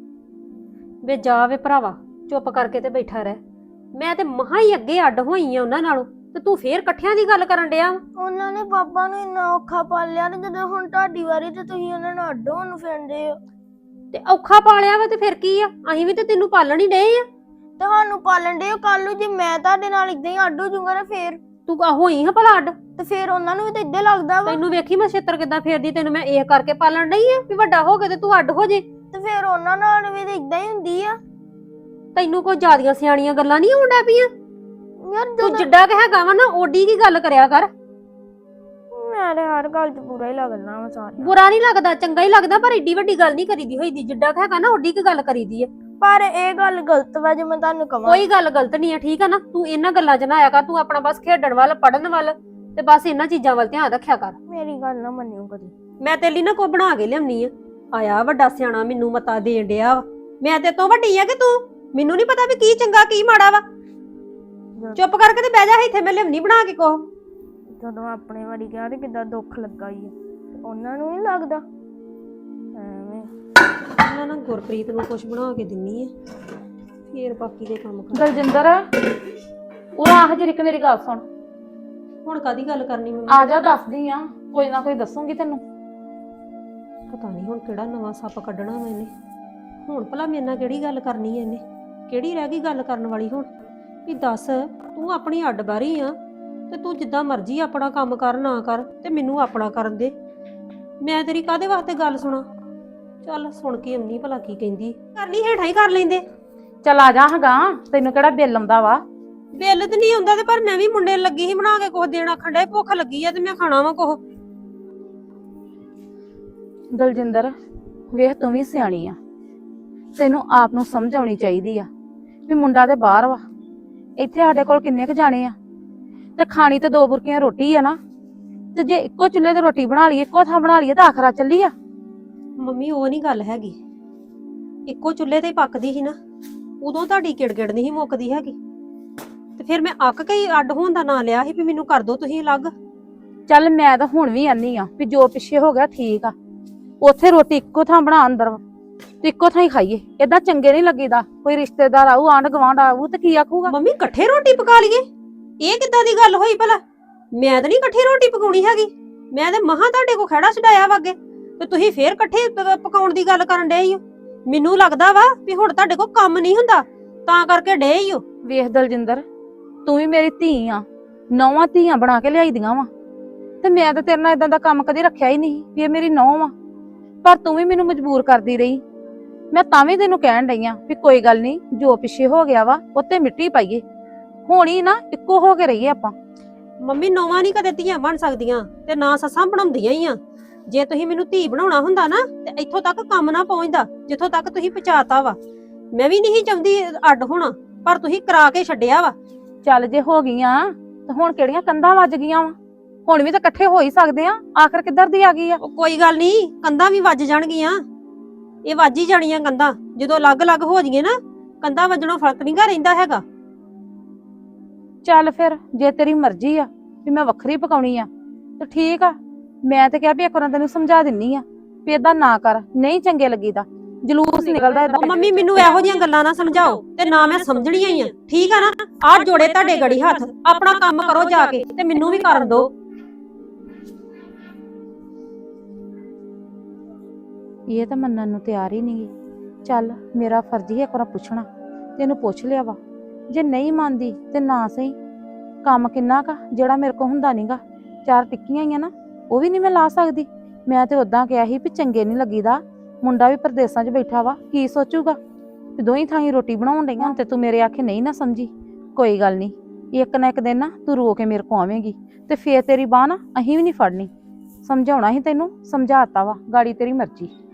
S7: ਵੇ ਜਾ ਵੇ ਭਰਾਵਾ, ਚੁੱਪ ਕਰਕੇ ਤੇ ਬੈਠਾ ਰਹਿ। ਮੈਂ ਤੇ ਮਹਾ ਹੀ ਅੱਗੇ ਅੱਡ ਹੋਈ ਆ ਉਹਨਾਂ ਨਾਲੋਂ, ਤੇ ਤੂੰ ਫੇਰ ਇਕੱਠਿਆਂ ਦੀ ਗੱਲ ਕਰਨ ਡਿਆ।
S4: ਉਹਨਾਂ ਨੇ ਪਾਪਾ ਨੂੰ ਇੰਨਾ ਔਖਾ ਪਾਲਿਆ ਤੇ ਜਦੋਂ ਹੁਣ ਤੁਹਾਡੀ ਵਾਰੀ ਤੇ ਤੁਸੀਂ ਉਹਨਾਂ ਨਾਲ ਅੱਡ ਹੋਣ ਨੂੰ ਫਿਰਦੇ ਹੋ।
S7: ਤੇ ਔਖਾ ਪਾਲਿਆ ਵਾ ਤੇ ਫਿਰ ਕੀ ਆ? ਅਸੀਂ ਵੀ ਤੇ ਤੈਨੂੰ ਪਾਲਣ ਹੀ ਡਏ ਆ।
S4: ਤੁਹਾਨੂੰ ਪਾਲਣ ਦੇ ਕੱਲ ਨੂੰ ਜੇ ਮੈਂ ਤੁਹਾਡੇ ਨਾਲ ਇਦਾਂ ਹੀ ਅੱਡ ਹੋ ਜਾਊਂਗਾ ਨਾ ਫੇਰ
S7: ਤੂੰ ਹੋਈ ਹਾਂ ਭਲਾ ਅੱਡ?
S4: ਤੇ ਫੇਰ ਉਹਨਾਂ ਨੂੰ ਵੀ ਤਾਂ ਇਦਾਂ ਲੱਗਦਾ ਵਾ।
S7: ਤੈਨੂੰ ਵੇਖੀ ਮੈਂ ਛੇਤਰ ਕਿੱਦਾਂ ਫੇਰਦੀ, ਤੈਨੂੰ ਮੈਂ ਇਹ ਕਰਕੇ ਪਾਲਣ ਡਈ ਆ ਵੀ ਵੱਡਾ ਹੋ ਕੇ ਤੇ ਤੂੰ ਅੱਡ ਹੋ ਜੇ।
S4: ਤੇ ਫੇਰ ਉਹਨਾਂ ਨਾਲ ਵੀ ਤਾਂ ਇਦਾਂ ਹੀ ਹੁੰਦੀ ਆ।
S7: ਤੈਨੂੰ ਕੋਈ ਜ਼ਿਆਦੀਆਂ ਸਿਆਣੀਆਂ ਗੱਲਾਂ ਨਹੀਂ ਆਉਂਦਾ ਪਈਆਂ?
S4: ਯਾਰ
S7: ਤੂੰ
S4: ਜਦੋਂ
S7: ਜਿੱਡਾ ਕਿ ਹੈਗਾ ਵਾ ਨਾ ਓਡੀ ਕੀ ਗੱਲ ਕਰਿਆ ਕਰ।
S4: ਮੈਂ ਤੇ ਹਰ ਗੱਲ 'ਚ ਬੁਰਾ ਹੀ ਲੱਗਦਾ ਵਾ ਸਾਰਿਆਂ।
S7: ਬੁਰਾ ਨਹੀਂ ਲੱਗਦਾ, ਚੰਗਾ ਹੀ ਲੱਗਦਾ, ਪਰ ਏਡੀ ਵੱਡੀ ਗੱਲ ਨਹੀਂ ਕਰੀਦੀ ਹੋਈਦੀ। ਜਿੱਡਾ ਕਿ ਹੈਗਾ ਨਾ ਓਡੀ ਕੀ ਗੱਲ ਕਰੀਦੀ ਆ।
S4: ਪਰ ਇਹ ਗੱਲ ਗਲਤ ਵਾ ਜੇ ਮੈਂ ਤੁਹਾਨੂੰ ਕਵਾਂ।
S7: ਕੋਈ ਗੱਲ ਗਲਤ ਨਹੀਂ ਆ, ਠੀਕ ਆ ਨਾ? ਤੂੰ ਇਹਨਾਂ ਗੱਲਾਂ 'ਚ ਨਾ ਆਇਆ ਕਰ, ਤੂੰ ਆਪਣਾ ਬਸ ਖੇਡਣ ਵੱਲ, ਪੜਨ ਵੱਲ, ਤੇ ਬਸ ਇਹਨਾਂ ਚੀਜ਼ਾਂ ਵੱਲ ਧਿਆਨ ਰੱਖਿਆ ਕਰ।
S4: ਮੇਰੀ ਗੱਲ ਨਾ ਮੰਨਿਓ ਕਦੀ।
S7: ਮੈਂ ਤੇਰੇ ਲਈ ਨਾ ਕੋ ਬਣਾ ਕੇ ਲਿਆਉਣੀ ਆ। ਆਇਆ ਵੱਡਾ ਸਿਆਣਾ ਮੈਨੂੰ ਮਤਾ ਦੇਣ ਡਿਆ ਵਾ। ਮੈਂ ਤੇ ਤੋਂ ਵੱਡੀ ਆ ਕਿ ਤੂੰ? ਮੈਨੂੰ ਨਹੀਂ ਪਤਾ ਵੀ ਕੀ ਚੰਗਾ ਕੀ ਮਾੜਾ ਵਾ। ਚੁੱਪ ਕਰਕੇ ਤੇ ਬਹਿ ਜਾ ਇੱਥੇ, ਮੈਂ ਲਿਆਉਣੀ ਬਣਾ ਕੇ ਕੋ।
S4: ਜਦੋਂ ਆਪਣੇ ਵਾਰੀ ਗਿਆ ਤੇ ਕਿੱਦਾਂ ਦੁੱਖ ਲੱਗਾ ਹੀ ਆ, ਉਹਨਾਂ ਨੂੰ ਨਹੀਂ ਲੱਗਦਾ ਐਵੇਂ।
S7: ਮੈਂ ਨਾ ਗੁਰਪ੍ਰੀਤ ਨੂੰ ਕੁਝ ਬਣਾ ਕੇ ਦਿੰਨੀ ਆ, ਫੇਰ ਬਾਕੀ ਦੇ ਕੰਮ ਕਰ।
S5: ਦਲਜਿੰਦਰ, ਉਹ ਆਹ ਜਿਹੜੀ ਮੇਰੀ ਗੱਲ ਸੁਣ।
S7: ਹੁਣ ਕਾਦੀ ਗੱਲ ਕਰਨੀ ਮੈਂ?
S5: ਆ ਜਾ, ਦੱਸਦੀ ਆ, ਕੋਈ ਨਾ ਕੋਈ ਦੱਸੂਗੀ ਤੈਨੂੰ।
S7: ਪਤਾ ਨਹੀਂ ਹੁਣ ਕਿਹੜਾ ਨਵਾਂ ਸੱਪ ਕੱਢਣਾ ਮੈਨੇ। ਹੁਣ ਭਲਾ ਮੇਰੇ ਨਾਲ ਕਿਹੜੀ ਗੱਲ ਕਰਨੀ ਐ ਇਹਨੇ? ਕਿਹੜੀ ਰਹਿ ਗਈ ਗੱਲ ਕਰਨ ਵਾਲੀ ਹੁਣ? ਵੀ ਦੱਸ, ਤੂੰ ਆਪਣੀ ਅੱਡ ਬਾਰੀ ਆ ਤੇ ਤੂੰ ਜਿੱਦਾਂ ਮਰਜ਼ੀ ਆਪਣਾ ਕੰਮ ਕਰ ਨਾ ਕਰ, ਤੇ ਮੈਨੂੰ ਆਪਣਾ ਕਰਨ ਦੇ। ਮੈਂ ਤੇਰੀ ਕਾਹਦੇ ਵਾਸਤੇ ਗੱਲ ਸੁਣਾ? ਚੱਲ ਸੁਣ ਕੇ ਆਉਣੀ ਭਲਾ ਕੀ ਕਹਿੰਦੀ। ਕਰਨੀ ਹੇਠਾਂ ਹੀ ਕਰ ਲੈਂਦੇ।
S5: ਚੱਲ ਆ ਜਾ ਹਾਂਗਾ, ਤੈਨੂੰ ਕਿਹੜਾ ਬਿੱਲ ਆਉਂਦਾ ਵਾ?
S7: ਬਿੱਲ ਤੇ ਨਹੀਂ ਆਉਂਦਾ, ਤੇ ਪਰ ਮੈਂ ਵੀ ਮੁੰਡੇ ਲੱਗੀ ਸੀ ਬਣਾ ਕੇ ਕੁਝ ਦੇਣਾ। ਖੰਡਾ ਭੁੱਖ ਲੱਗੀ ਆ ਤੇ ਮੈਂ ਖਾਣਾ ਵਾ ਕੁਝ।
S5: ਦਲਜਿੰਦਰ, ਵੇਖ ਤੂੰ ਵੀ ਸਿਆਣੀ ਆ, ਤੈਨੂੰ ਆਪ ਨੂੰ ਸਮਝ ਆਉਣੀ ਚਾਹੀਦੀ ਆ ਵੀ ਮੁੰਡਾ ਤੇ ਬਾਹਰ ਵਾ, ਇੱਥੇ ਸਾਡੇ ਕੋਲ ਕਿੰਨੇ ਕੁ ਜਾਣੇ ਆ, ਤੇ ਖਾਣੀ ਤੇ 2 ਬੁਰਕੀਆਂ ਰੋਟੀ ਆ ਨਾ, ਤੇ ਜੇ ਇੱਕੋ ਚੁੱਲ੍ਹੇ ਤੇ ਰੋਟੀ ਬਣਾ ਲਈਏ, ਇੱਕੋ ਥਾਂ ਬਣਾ ਲਈਏ ਤਾਂ ਆਖਰਾ ਚੱਲੀ ਆ।
S7: ਮੰਮੀ ਉਹ ਨਹੀਂ ਗੱਲ ਹੈਗੀ, ਇੱਕੋ ਚੁੱਲ੍ਹੇ ਤੇ ਹੀ ਪੱਕਦੀ ਸੀ ਨਾ, ਉਦੋਂ ਤੁਹਾਡੀ ਕਿੜਕਿੜ ਨਹੀਂ ਸੀ ਮੁੱਕਦੀ ਹੈਗੀ, ਤੇ ਫਿਰ ਮੈਂ ਅੱਕ ਕੇ ਹੀ ਅੱਡ ਹੋਣ ਦਾ ਨਾਂ ਲਿਆ ਸੀ ਵੀ ਮੈਨੂੰ ਕਰ ਦੋ ਤੁਸੀਂ ਅਲੱਗ।
S5: ਚੱਲ ਮੈਂ ਤਾਂ ਹੁਣ ਵੀ ਆਨੀ ਆ ਵੀ ਜੋ ਪਿੱਛੇ ਹੋ ਗਿਆ ਠੀਕ ਆ, ਉੱਥੇ ਰੋਟੀ ਇੱਕੋ ਥਾਂ ਬਣਾ ਅੰਦਰ ਤੇ ਇੱਕੋ ਥਾਂ ਹੀ ਖਾਈਏ, ਏਦਾਂ ਚੰਗੇ ਨਹੀਂ ਲੱਗੀਦਾ। ਕੋਈ ਰਿਸ਼ਤੇਦਾਰ ਆਊ, ਆਂਢ ਗੁਆਂਢ ਆਊ ਤੇ ਕੀ ਆਖੂਗਾ?
S7: ਮੰਮੀ ਇਕੱਠੇ ਰੋਟੀ ਪਕਾ ਲਈਏ, ਇਹ ਕਿੱਦਾਂ ਦੀ ਗੱਲ ਹੋਈ ਭਲਾ? ਮੈਂ ਤਾਂ ਨਹੀਂ ਇਕੱਠੀ ਰੋਟੀ ਪਕਾਉਣੀ ਹੈਗੀ, ਮੈਂ ਤੇ ਮਹਾਂ ਤੁਹਾਡੇ ਕੋ ਖੜਾ ਛਡਾਇਆ ਵਾ ਅੱਗੇ, ਤੇ ਤੁਸੀਂ ਫੇਰ ਇਕੱਠੇ ਪਕਾਉਣ ਦੀ ਗੱਲ ਕਰਨ ਡਏ ਹੋ। ਮੈਨੂੰ ਲੱਗਦਾ ਵਾ ਵੀ ਹੁਣ ਤੁਹਾਡੇ ਕੋ ਕੰਮ ਨਹੀਂ ਹੁੰਦਾ ਤਾਂ ਕਰਕੇ ਡੇ ਹੀ ਹੋ।
S5: ਵੇਖ ਦਲਜਿੰਦਰ, ਤੂੰ ਵੀ ਮੇਰੀ ਧੀ ਆ, 9 ਧੀਆਂ ਬਣਾ ਕੇ ਲਿਆਈ ਦੀਆਂ ਵਾ, ਤੇ ਮੈਂ ਤਾਂ ਤੇਰੇ ਨਾਲ ਇਦਾਂ ਦਾ ਕੰਮ ਕਦੇ ਰੱਖਿਆ ਹੀ ਨਹੀਂ ਵੀ ਇਹ ਮੇਰੀ ਨੌਂ ਵਾ, ਪਰ ਤੂੰ ਵੀ ਮੈਨੂੰ ਮਜਬੂਰ ਕਰਦੀ ਰਹੀ। ਮੈਂ ਤਾਂ ਵੀ ਤੈਨੂੰ ਕਹਿਣ ਡਈ ਆ ਵੀ ਕੋਈ ਗੱਲ ਨਹੀਂ, ਜੋ ਪਿੱਛੇ ਹੋ ਗਿਆ ਵਾ ਉੱਤੇ ਮਿੱਟੀ ਪਾਈਏ, ਹੋਣੀ ਨਾ ਇੱਕੋ ਹੋ ਕੇ ਰਹੀਏ ਆਪਾਂ।
S7: ਮੰਮੀ ਨੌਵਾਂ ਨਹੀਂ ਕਦੇ ਧੀਆਂ ਬਣ ਸਕਦੀਆਂ ਤੇ ਨਾ ਸੱਸਾਂ ਬਣਾਉਂਦੀਆਂ ਹੀ ਆ। ਜੇ ਤੁਸੀਂ ਮੈਨੂੰ ਧੀ ਬਣਾਉਣਾ ਹੁੰਦਾ ਨਾ ਤੇ ਇੱਥੋਂ ਤੱਕ ਕੰਮ ਨਾ ਪਹੁੰਚਦਾ ਜਿੱਥੋਂ ਤੱਕ ਤੁਸੀਂ ਪਹੁੰਚਾਤਾ ਵਾ। ਮੈਂ ਵੀ ਨਹੀਂ ਚਾਹੁੰਦੀ ਅੱਡ ਹੋਣਾ, ਪਰ ਤੁਸੀਂ ਕਰਾ ਕੇ ਛੱਡਿਆ ਵਾ।
S5: ਚੱਲ ਜੇ ਹੋ ਗਈਆਂ ਤਾਂ ਹੁਣ ਕਿਹੜੀਆਂ ਕੰਧਾਂ ਵੱਜ ਗਈਆਂ ਵਾ, ਹੁਣ ਵੀ ਤਾਂ ਇਕੱਠੇ ਹੋ ਹੀ ਸਕਦੇ ਆ, ਆਖਰ ਕਿੱਧਰ ਦੀ ਆ ਗਈ ਆ?
S7: ਉਹ ਕੋਈ ਗੱਲ ਨਹੀਂ, ਕੰਧਾਂ ਵੀ ਵੱਜ ਜਾਣਗੀਆਂ, ਇਹ ਵੱਜ ਹੀ ਜਾਣੀਆਂ ਕੰਧਾਂ। ਜਦੋਂ ਅਲੱਗ-ਅਲੱਗ ਹੋ ਜਾਈਏ ਨਾ, ਕੰਧਾਂ ਵੱਜਣੋਂ ਫਰਕ ਨਹੀਂ ਗਾ ਰਹਿੰਦਾ ਹੈਗਾ।
S5: ਚੱਲ ਫਿਰ ਜੇ ਤੇਰੀ ਮਰਜ਼ੀ ਆ ਵੀ ਮੈਂ ਵੱਖਰੀ ਪਕਾਉਣੀ ਆ ਤੇ ਠੀਕ ਆ, ਮੈਂ ਤੇ ਕਿਹਾ ਵੀ ਇੱਕ ਵਾਰ ਤੈਨੂੰ ਸਮਝਾ ਦਿੰਨੀ ਆ ਵੀ ਏਦਾਂ ਨਾ ਕਰ, ਨਹੀਂ ਚੰਗੇ ਲੱਗੀਦਾ, ਜਲੂਸ ਨਿਕਲਦਾ ਏਦਾਂ।
S7: ਉਹ ਮੰਮੀ ਮੈਨੂੰ ਇਹੋ ਜਿਹੀਆਂ ਗੱਲਾਂ ਨਾ ਸਮਝਾਓ ਤੇ ਨਾ ਮੈਂ ਸਮਝਣੀਆਂ ਹੀ ਆ, ਠੀਕ ਆ ਨਾ? ਆਹ ਜੋੜੇ ਤੁਹਾਡੇ ਗੜੀ ਹੱਥ, ਆਪਣਾ ਕੰਮ ਕਰੋ ਜਾ ਕੇ ਤੇ ਮੈਨੂੰ ਵੀ ਕਰਨ ਦਿਓ।
S5: ਇਹ ਤਾਂ ਮੰਨਣ ਨੂੰ ਤਿਆਰ ਹੀ ਨਹੀਂਗੀ। ਚੱਲ ਮੇਰਾ ਫਰਜ਼ ਹੀ ਇੱਕ ਵਾਰ ਪੁੱਛਣਾ, ਤੈਨੂੰ ਪੁੱਛ ਲਿਆ ਵਾ, ਜੇ ਨਹੀਂ ਮੰਨਦੀ ਤੇ ਨਾ ਸਹੀ। ਕੰਮ ਕਿੰਨਾ ਕਾ ਜਿਹੜਾ ਮੇਰੇ ਕੋਲ ਹੁੰਦਾ ਨਹੀਂਗਾ, 4 ਟਿੱਕੀਆਂ ਹੀ ਆ ਨਾ, ਉਹ ਵੀ ਨਹੀਂ ਮੈਂ ਲਾ ਸਕਦੀ। ਮੈਂ ਤੇ ਉਦਾਂ ਕਿਹਾ ਸੀ ਵੀ ਚੰਗੇ ਨਹੀਂ ਲੱਗੀਦਾ, ਮੁੰਡਾ ਵੀ ਪਰਦੇਸਾਂ 'ਚ ਬੈਠਾ ਵਾ, ਕੀ ਸੋਚੂਗਾ ਤੇ ਦੋਹੀਂ ਥਾਈਂ ਰੋਟੀ ਬਣਾਉਣ ਡਈਆਂ ਤੇ ਤੂੰ ਮੇਰੇ ਆਖੇ ਨਹੀਂ ਨਾ ਸਮਝੀ। ਕੋਈ ਗੱਲ ਨਹੀਂ, ਇੱਕ ਨਾ ਇੱਕ ਦਿਨ ਨਾ ਤੂੰ ਰੋ ਕੇ ਮੇਰੇ ਕੋ ਆਵੇਂਗੀ ਤੇ ਫੇਰ ਤੇਰੀ ਬਾਹ ਨਾ ਅਸੀਂ ਵੀ ਨਹੀਂ ਫੜਨੀ। ਸਮਝਾਉਣਾ ਸੀ ਤੈਨੂੰ, ਸਮਝਾਤਾ ਵਾ, ਗਾੜੀ ਤੇਰੀ ਮਰਜ਼ੀ।